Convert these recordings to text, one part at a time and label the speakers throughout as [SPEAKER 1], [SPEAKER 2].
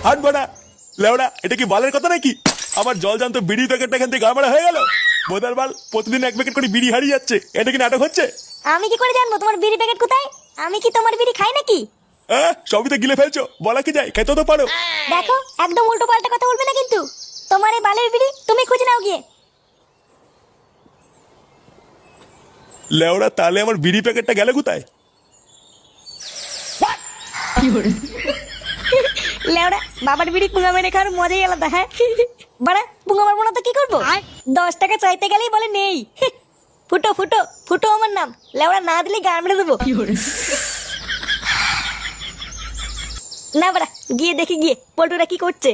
[SPEAKER 1] হাট বাড়া লেওড়া, এটা কি বালের কথা নাকি? আমার জল জানতো বিড়ি প্যাকেটটা এখান থেকে গাড়মারা হয়ে গেল। বোধার বাল, প্রতিদিন 1 প্যাকেট করে বিড়ি হারিয়ে যাচ্ছে, এটা কি নাটক হচ্ছে?
[SPEAKER 2] আমি কি করে জানবো তোমার বিড়ি প্যাকেট কোথায়? আমি কি তোমার বিড়ি খাই নাকি?
[SPEAKER 1] সবই তো গিলে ফেলছো, বলা কি যায়, খেতে তো পারো।
[SPEAKER 2] দেখো, একদম উল্টো পাল্টা কথা বলবে না কিন্তু। তোমার এই বালের বিড়ি তুমি খুঁজে নাও গিয়ে।
[SPEAKER 1] লেওড়া, তাহলে আমার বিড়ি প্যাকেটটা গেলে কোথায়?
[SPEAKER 2] লেওড়া, বাবার বিড়ি পুঙ্গা মেরে খাওয়ার মজাই আলাদা। হ্যাঁ বাড়া, পুঙ্গা মারবো না তো কি করবো? 10 টাকা চাইতে গেলেই বলে নেই। ফুটো ফুটো ফুটো আমার নাম। লেওড়া, না দিলে গান মেরে দেবো। না বাড়া, গিয়ে দেখি গিয়ে পল্টুরা কি করছে।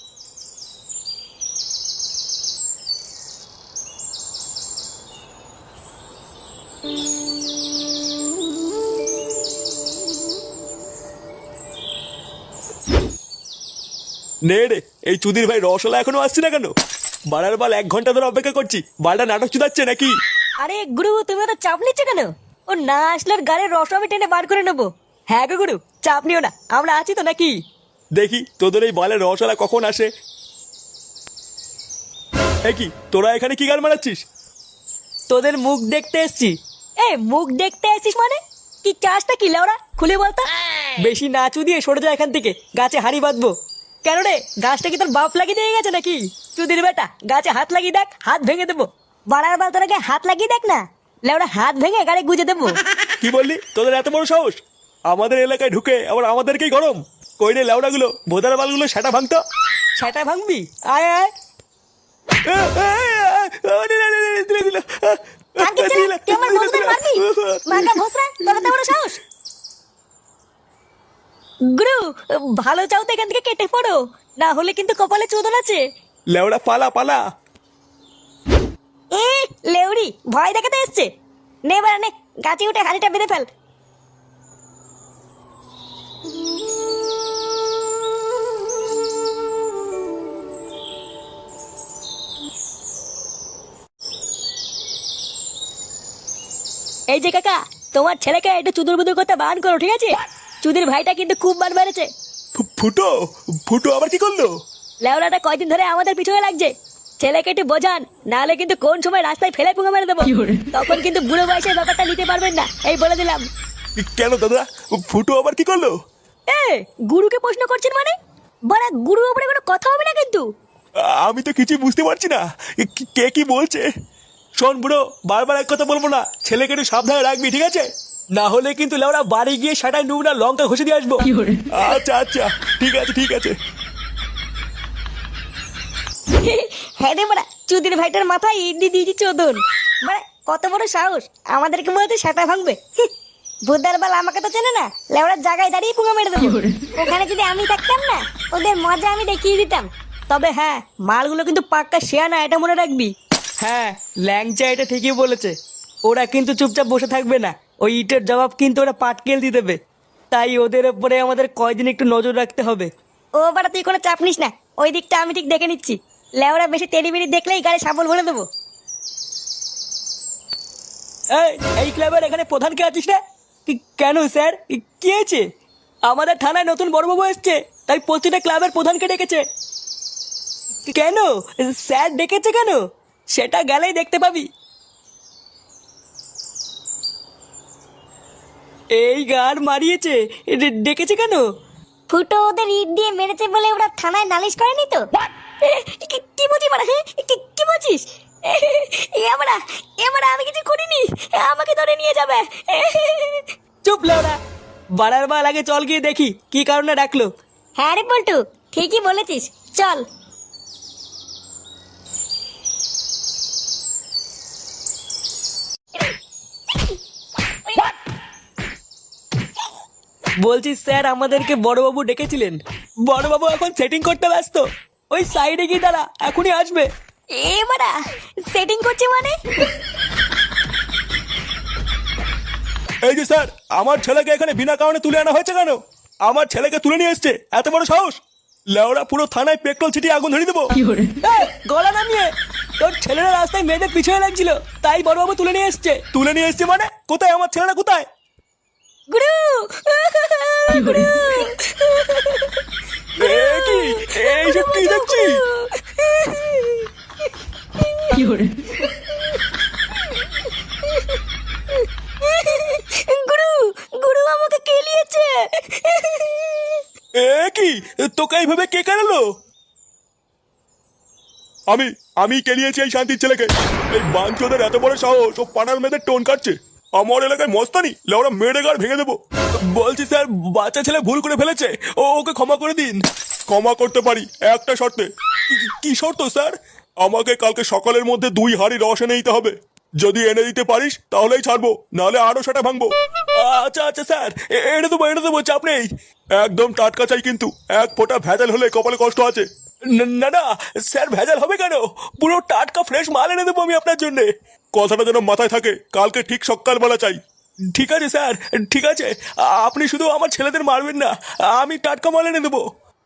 [SPEAKER 1] নে রে, এই চুদির ভাই রসলা এখনো আসছে না কেন? বাড়ার বাল 1 ঘন্টা ধরে অপেক্ষা করছি, বালটা নাটক চুদাচ্ছে নাকি?
[SPEAKER 2] আরে গুরু, তুমি তো চাপ নিচ্ছ কেন? ও না আসলে ওর গাড়ির রস আমি টেনে বার করে নেবো। হ্যাঁ গো গুরু, চাপ নিও না, আমরা আছি তো নাকি?
[SPEAKER 1] দেখি তোদের এই বালের রসলা কখন আসে। কি তোরা এখানে কি গান মারাচ্ছিস?
[SPEAKER 3] তোদের মুখ দেখতে এসছি।
[SPEAKER 2] মুখ দেখতে আসিস মানে? কি চাষটা কি লেওড়া, খুলে বলতো।
[SPEAKER 3] বেশি নাচু দিয়ে সরে যা এখান থেকে, গাছে হাড়ি বাঁধবো।
[SPEAKER 2] কেন রে, গাছটা কি তোর বাপ লাগিয়ে দিয়ে গেছে নাকি?
[SPEAKER 3] চুদির বেটা, গাছে হাত লাগিয়ে দেখ, হাত ভেঙে দেবো।
[SPEAKER 2] বাড়ার বাল তোরাকে হাত লাগিয়ে দেখ না, লেওড়া হাত ভেঙে গাড়ি গুজে দেবো।
[SPEAKER 1] কি বললি? তোদের এত বড় সাহস আমাদের এলাকায় ঢুকে আবার আমাদেরকেই গরম? কই রে লেওড়া গুলো, ভোদার বালগুলো সেটা ভাঙতো।
[SPEAKER 3] সেটা ভাঙবি? আয় আয়।
[SPEAKER 2] তুই আমার বন্ধুদের মারবি? মাকা ভোসরা, তোর এত বড় সাহস? গুরু, ভালো চাও তো এখান থেকে কেটে পড়ো, না হলে কিন্তু কপালে চোদন আছে।
[SPEAKER 1] লেওড়া পালা পালা।
[SPEAKER 2] লেউড়ি ভয় দেখাতে এসছে। নে বাড়া নে, গাছে উঠে হাড়িটা বেঁধে ফেল। এই যে কাকা, তোমার ছেলেকে একটু চুদুর বুদুর করতে বারণ করো, ঠিক আছে? চুদির ভাইটা কিন্তু খুব বার বেড়েছে।
[SPEAKER 1] ফুটো ফুটো আবার কি করলো?
[SPEAKER 2] লেওড়াটা কয়দিন ধরে আমাদের পিছনে লাগছে। ছেলেকে একটু বোঝান, নাহলে কিন্তু কোন সময় রাস্তায় ফেলে পুঙ্গা মেরে দেবো। তখন কিন্তু বুড়ো বয়সের ব্যাপারটা নিতে পারবেন না, এই বলে দিলাম।
[SPEAKER 1] কেন দাদা, ফুটো আবার কি করলো?
[SPEAKER 2] গুরুকে প্রশ্ন করছেন মানে? বড়া, গুরু উপরে কোনো কথা হবে না কিন্তু।
[SPEAKER 1] আমি তো কিছু বুঝতে পারছি না, কে কি বলছে। শোন বুড়ো, বারবার এক কথা বলবো না, ছেলেকে একটু সাবধানে রাখবি, ঠিক আছে?
[SPEAKER 3] না হলে কিন্তু লেওড়া বাড়ি গিয়ে সেটাই নুবনা লঙ্কা ঘষে দিয়ে আসবো।
[SPEAKER 1] আচ্ছা আচ্ছা, ঠিক আছে ঠিক আছে।
[SPEAKER 2] হ্যাঁ রে বড়া, চুদির ভাইটার মাথায় ইডলি দিয়েছি চোদন। বড়া, কত বড় সাহস, আমাদেরকে মনে হচ্ছে সেটা ভাঙবে। ভুদার বাল আমাকে তো চেনে না, লেওড়ার জায়গায় দাঁড়িয়ে পুঙ্গা মেরে দেবো। ওখানে যদি আমি থাকতাম না, ওদের মজা আমি দেখিয়ে দিতাম।
[SPEAKER 3] তবে হ্যাঁ, মালগুলো কিন্তু পাক্কা শেয়া না, এটা মনে রাখবি। হ্যাঁ, ল্যাংচা এটা ঠিকই বলেছে। ওরা কিন্তু চুপচাপ বসে থাকবে না, ওই ইটের জবাব কিন্তু ওরা পাটকেল দিয়ে দেবে। তাই ওদের উপরে আমাদের কয়দিন একটু নজর রাখতে হবে।
[SPEAKER 2] ও বাড়া, তুই কোনো চাপ নিস না, ওই দিকটা আমি ঠিক দেখে নিচ্ছি। লেওড়া বেশি তেড়ি বেড়ি দেখলেই গাড়ি সাবল ভরে দেবো।
[SPEAKER 3] এই ক্লাবের এখানে প্রধান কে আছিস রে? কেন স্যার, কি হয়েছে? আমাদের থানায় নতুন বড়বাবু এসছে, তাই প্রতিটা ক্লাবের প্রধানকে ডেকেছে। কেন স্যার ডেকেছে কেন? সেটা গেলেই দেখতে পাবি। এই গান মারিয়েছে, ডেকেছে কেন?
[SPEAKER 2] ফুটো ওদের ইট দিয়ে মেরেছে বলে ওরা থানায় নালিশ করেনি তো? কি বলছিস মানে? কি বলছিস? এবার আমি কিছু করিনি, আমাকে ধরে নিয়ে যাবে।
[SPEAKER 3] চুপ লেওড়া, বাড়ার বাল আগে চল গিয়ে দেখি কি কারণে ডাকলো।
[SPEAKER 2] হ্যাঁ রে পল্টু, ঠিকই বলেছিস, চল।
[SPEAKER 3] বলছি স্যার, আমাদেরকে বড়বাবু ডেকেছিলেন। বড়বাবু এখন সেটিং করতে ব্যস্ত, ওই সাইডে গিয়ে দাঁড়া, এখনই আসবে।
[SPEAKER 2] এবারা সেটিং করছে মানে?
[SPEAKER 1] এই যে স্যার, আমার ছেলেকে এখানে বিনা কারণে তুলে আনা হয়েছে কেন? আমার ছেলেকে তুলে নিয়ে এসছে, এত বড় সাহস! লেওড়া, পুরো থানায় পেট্রোল ছিটিয়ে আগুন ধরিয়ে দেবো।
[SPEAKER 3] গলা নামিয়ে, তোর ছেলেরা রাস্তায় মেয়েদের পিছনে লাগছিল, তাই বড়বাবু তুলে নিয়ে এসছে।
[SPEAKER 1] তুলে নিয়ে এসছে মানে? কোথায় আমার ছেলেরা, কোথায়?
[SPEAKER 2] গুরু, গুরু।
[SPEAKER 1] কি এসব কি দেখছি?
[SPEAKER 2] গুরু গুরু আমাকে কেলিয়েছে।
[SPEAKER 1] এ কি, তোকে এইভাবে কে কেনালো? আমি আমি কেলিয়েছি এই শান্তির ছেলেকে। এই বাঞ্চোদের এত বড় সাহস, ও পাড়ার মেয়েদের টোন কাটছে। আমার এলাকায় মস্তানি, লেওরা মেরে গাড় ভেঙে দেবো। বলছি স্যার, বাচ্চা ছেলে ভুল করে ফেলেছে, ওকে ক্ষমা করে দিন। ক্ষমা করতে পারি একটা শর্তে। কি শর্ত স্যার? আমাকে কালকে সকালের মধ্যে 2 হাঁড়ি রস এনে দিতে হবে। যদি এনে দিতে পারিস তাহলেই ছাড়বো, নাহলে আরো সেটা ভাঙবো। আচ্ছা আচ্ছা স্যার, এনে দেবো, চাপ নেই। একদম টাটকা চাই কিন্তু, 1 ফোঁটা ভেজাল হলে কপালে কষ্ট আছে। না না স্যার, ভেজাল হবে কেন? পুরো টাটকা ফ্রেশ মাল এনে দেবো আমি আপনার জন্য। কথাটা যেন মাথায় থাকে, কালকে ঠিক সকালবেলা চাই। ঠিক আছে স্যার, ঠিক আছে। আপনি শুধু আমার ছেলেদের মারবেন না, আমি টাটকা মাল এনে দেবো।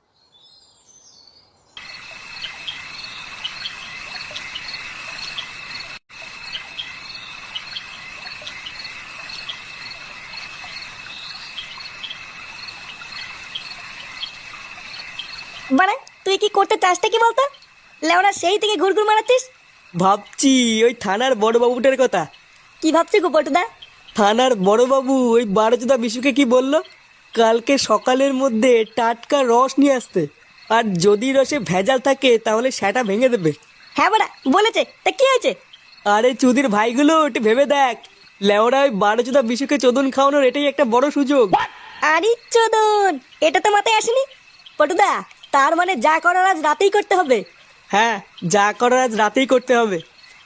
[SPEAKER 2] মানে তুই কি করতে চাসটা কি বলতো? লেওড়া সেই থেকে ঘুরঘুর মারাচ্ছিস।
[SPEAKER 3] ভাবছি ওই থানার বড় বাবুটার কথা।
[SPEAKER 2] কি ভাবছি গো পটুদা?
[SPEAKER 3] থানার বড়বাবু ওই 12 বিশুকে কি বললো, কালকে সকালের মধ্যে টাটকা রস নিয়ে আসতে, আর যদি রসে ভেজাল থাকে তাহলে সেটা ভেঙে দেবে।
[SPEAKER 2] হ্যাঁ বড়া বলেছে, তা কি হয়েছে?
[SPEAKER 3] আরে চুদির ভাইগুলো একটু ভেবে দেখ, লেওরা ওই 12 বিশুকে চোদন খাওয়ানোর এটাই একটা বড় সুযোগ।
[SPEAKER 2] আরে চোদন, এটা তো মাথায় আসেনি। পটুদা, তার মানে যা করার আজ রাতেই করতে হবে।
[SPEAKER 3] হ্যাঁ, যা করার আজ রাতেই করতে হবে।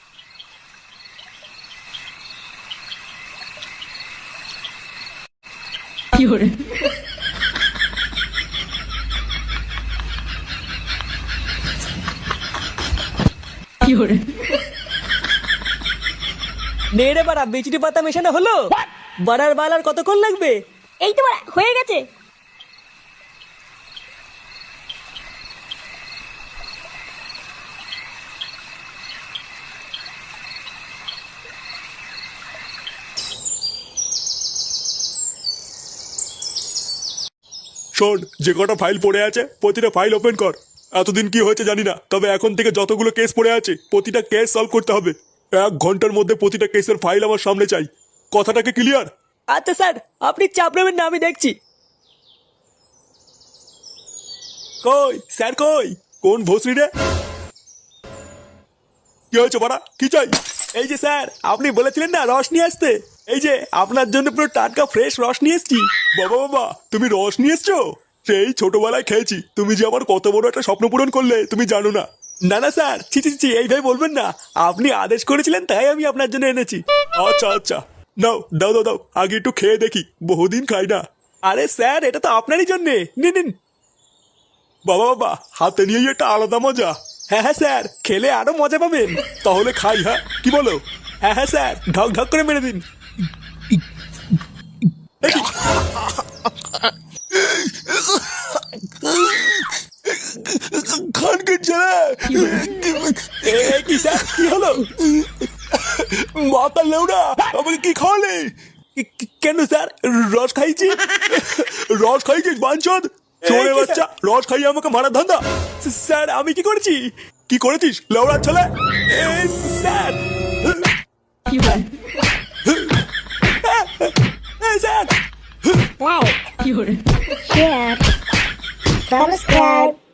[SPEAKER 3] নে রে বাড়া, বিচুটি পাতা মেশানো হলো। বাড়ার বাল আর কতক্ষণ লাগবে?
[SPEAKER 2] এই তো বড়া হয়ে গেছে।
[SPEAKER 1] শোন, যে কটা ফাইল পড়ে আছে প্রতিটা ফাইল ওপেন কর। এতদিন কি হয়েছে জানি না, তবে এখন থেকে যতগুলো কেস পড়ে আছে প্রতিটা কেস সলভ করতে হবে। 1 ঘন্টার মধ্যে প্রতিটা কেসের ফাইল আমার সামনে চাই। কথাটাকে ক্লিয়ার?
[SPEAKER 3] আচ্ছা স্যার, আপনি চাপ নেবেন না, আমি দেখছি।
[SPEAKER 1] কই স্যার, কই? কোন ভোসরি রে? কি হয়েছে বাড়া, কি চাই? এই যে স্যার, আপনি বলেছিলেন না রস নিয়ে আসতে, এই যে আপনার জন্য পুরো টাটকা ফ্রেশ রস নিয়ে এসছি। বাবা বাবা, তুমি রস নিয়ে এসছো? সেই ছোটবেলায় খেয়েছি। তুমি যে আমার কত বড় একটা স্বপ্ন পূরণ করলে তুমি জানো না। না না স্যার, ছি ছি ছি, এইভাবে বলবেন না। আপনি আদেশ করেছিলেন তাই আমি আপনার জন্য এনেছি। আচ্ছা আচ্ছা, নাও দাও দাও দাও, আগে একটু খেয়ে দেখি, বহুদিন খাই না। আরে স্যার, এটা তো আপনারই জন্যে, নিন নিন। বাবা বাবা, হাতে নিয়েই একটা আলাদা মজা। হ্যাঁ হ্যাঁ স্যার, খেলে আরো মজা পাবেন। তাহলে খাই, হ্যাঁ কি বলো? হ্যাঁ হ্যাঁ স্যার, ঢক ঢক করে মেরে দিন। খানকে ছেলে, কি স্যার, কি হলো? মাথা লেউড়া, আমাকে কি খাওয়ালে? কেন স্যার, রস খাইছি। রস খাইছিস বাঞ্চোদ? চোরে বাচ্চা, রস খাইয়ে আমাকে মারার ধান্দা? স্যার আমি কি করেছি? কি করেছিস লেউড়ার ছেলে? Sir sir,
[SPEAKER 2] Like, share, subscribe.